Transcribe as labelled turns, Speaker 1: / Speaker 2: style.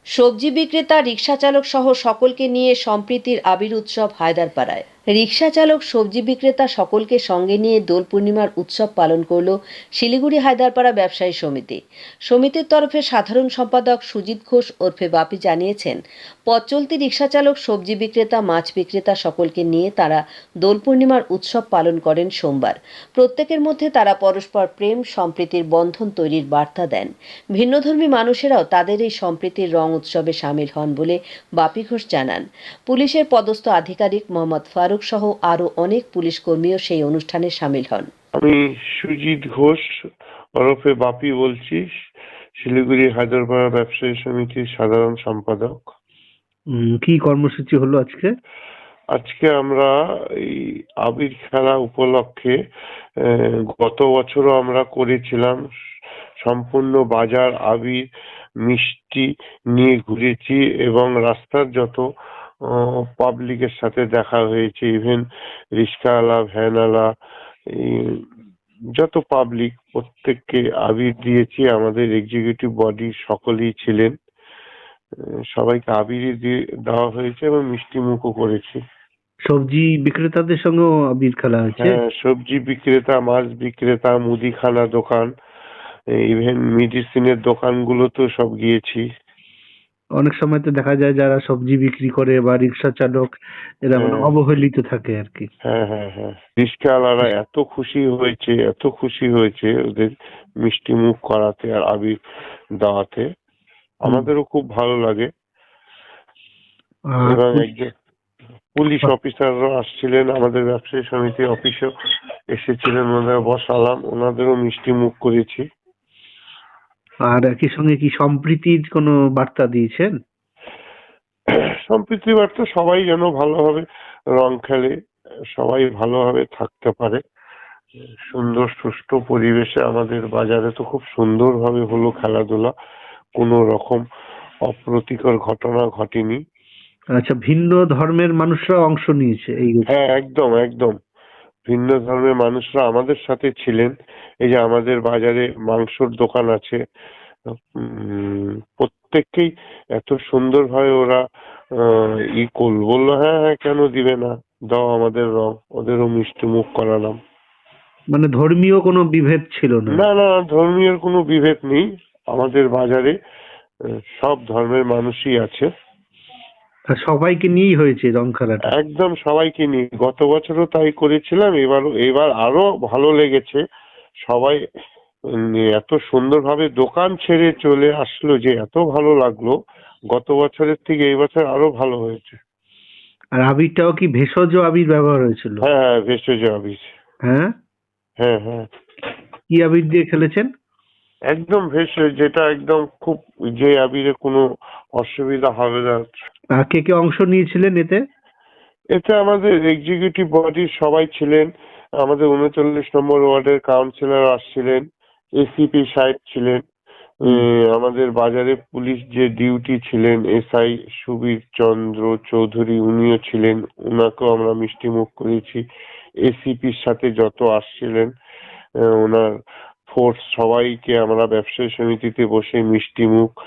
Speaker 1: সবজি বিক্রেতা, রিকশা চালক সহ সকলকে নিয়ে সম্প্রীতির আবির উৎসব হায়দ্রাপাড়ায়। রিকশা চালক, সবজি বিক্রেতা সকলকে সঙ্গে নিয়ে দোল পূর্ণিমার উৎসব পালন করল শিলিগুড়ি হায়দ্রাপাড়া ব্যবসায়ী সমিতি। সমিতির তরফে সাধারণ সম্পাদক সুজিত ঘোষ ওরফে বাপি জানিয়েছেন, পথ চলতি রিকশা চালক, সবজি বিক্রেতা, মাছ বিক্রেতা সকলকে নিয়ে তারা দোল পূর্ণিমার উৎসব পালন করেন সোমবার। প্রত্যেকের মধ্যে তারা পরস্পর প্রেম সম্প্রীতির বন্ধন তৈরির বার্তা দেন। ভিন্নধর্মী মানুষেরাও তাদের এই সম্প্রীতির রং উৎসবে সামিল হন বলে বাপি ঘোষ জানান। পুলিশের পদস্থ আধিকারিক মোহাম্মদ ফারুক সহ আরও অনেক পুলিশ কর্মীও সেই অনুষ্ঠানে সামিল হন।
Speaker 2: আমি সুজিত ঘোষ ওরফে বাপি বলছি, শিলিগুড়ি হায়দ্রাপাড়া ব্যবসায়ী সমিতির সাধারণ সম্পাদক।
Speaker 3: কি কর্মসূচি হলো আজকে?
Speaker 2: আজকে আমরা এই আবির খেলা উপলক্ষে গত বছরও আমরা করেছিলাম, সম্পূর্ণ বাজার আবির মিষ্টি নিয়ে ঘুরেছি এবং রাস্তার যত পাবলিকের সাথে দেখা হয়েছে, ইভেন রিক্সাওয়ালা, ভ্যানওয়ালা, এই যত পাবলিক প্রত্যেককে আবির দিয়েছি। আমাদের এক্সিকিউটিভ বডি সকলেই ছিলেন, সবাইকে আবির দিয়ে দেওয়া হয়েছে এবং মিষ্টি মুখও করেছি।
Speaker 3: সবজি বিক্রেতাদের সঙ্গেও আবির খেলা হয়েছে?
Speaker 2: হ্যাঁ, সবজি বিক্রেতা, মাছ বিক্রেতা, মুদিখানা দোকান, ইভেন মেডিসিনের দোকানগুলোতেও সব গিয়েছি।
Speaker 3: অনেক সময় তো দেখা যায় যারা সবজি বিক্রি করে বা রিক্সা চালক এরা মানে অবহেলিত থাকে আর কি।
Speaker 2: হ্যাঁ হ্যাঁ হ্যাঁ, রিক্সাওয়ালারা এত খুশি হয়েছে, এত খুশি হয়েছে ওদের মিষ্টি মুখ করাতে আর আবির দেওয়াতে। আমাদেরও খুব ভালো লাগে।
Speaker 3: আর
Speaker 2: এবং একজন পুলিশ অফিসাররা আসছিলেন, আমাদের ব্যবসায়ী সমিতি অফিসেও এসেছিলেন, ওনাদের বসালাম, ওনাদেরও মিষ্টি মুখ করেছি।
Speaker 3: আর একই সঙ্গে কি সম্প্রীতির কোনো বার্তা দিয়েছেন?
Speaker 2: সম্প্রীতি বার্তা, সবাই যেন ভালোভাবে রং খেলে, সবাই ভালোভাবে থাকতে পারে সুন্দর সুষ্ঠু পরিবেশে। আমাদের বাজারে তো খুব সুন্দরভাবে হলো খেলাধুলা, কোনো রকম অপ্রীতিকর ঘটনা ঘটেনি।
Speaker 3: আচ্ছা, ভিন্ন ধর্মের মানুষরা অংশ নিয়েছে এই?
Speaker 2: হ্যাঁ, একদম একদম, ভিন্ন ধর্মের মানুষরা আমাদের সাথে ছিলেন। এই যে আমাদের বাজারে মাংসর দোকান আছে, প্রত্যেককেই এত সুন্দরভাবে ওরা বললো, হ্যাঁ হ্যাঁ কেন দিবে না, দাও আমাদের রং, ওদেরও মিষ্টি মুখ করালাম।
Speaker 3: মানে ধর্মীয় কোনো বিভেদ ছিল না?
Speaker 2: না না, ধর্মীয় কোনো বিভেদ নেই আমাদের বাজারে, সব ধর্মের মানুষই আছে।
Speaker 3: আর সবাইকে নিয়েই হয়েছে রং খেলাটা?
Speaker 2: একদম সবাইকে নিয়ে, গত বছরও তাই করেছিলাম, এবার আরো ভালো লেগেছে। সবাই এত সুন্দরভাবে দোকান ছেড়ে চলে আসলো যে এত ভালো লাগলো, গত বছরের থেকে এই বছর আরো ভালো হয়েছে।
Speaker 3: আর আবিরটাও কি ভেষজ আবির ব্যবহার হয়েছিল?
Speaker 2: হ্যাঁ হ্যাঁ, ভেষজ আবির।
Speaker 3: হ্যাঁ
Speaker 2: হ্যাঁ হ্যাঁ,
Speaker 3: কি আবির দিয়ে খেলেছেন?
Speaker 2: একদম ভেষজ, যেটা একদম খুব, যে আবিরে কোনো অসুবিধা হবে না।
Speaker 3: আর কে কে অংশ নিয়েছিলেন এতে?
Speaker 2: এতে আমাদের এক্সিকিউটিভ বডির সবাই ছিলেন, আমাদের 39 নম্বর ওয়ার্ডের কাউন্সিলর আসছিলেন, এসিপি সাহেব ছিলেন, আমাদের বাজারে পুলিশ যে ডিউটি ছিলেন এসআই সুবীর চন্দ্র চৌধুরী, উনিও ছিলেন, ওনাকেও আমরা মিষ্টি মুখ করেছি। এসিপির সাথে যত আসছিলেন ওনার ফোর্স, সবাইকে আমরা ব্যবসায়ী সমিতিতে বসে মিষ্টি মুখ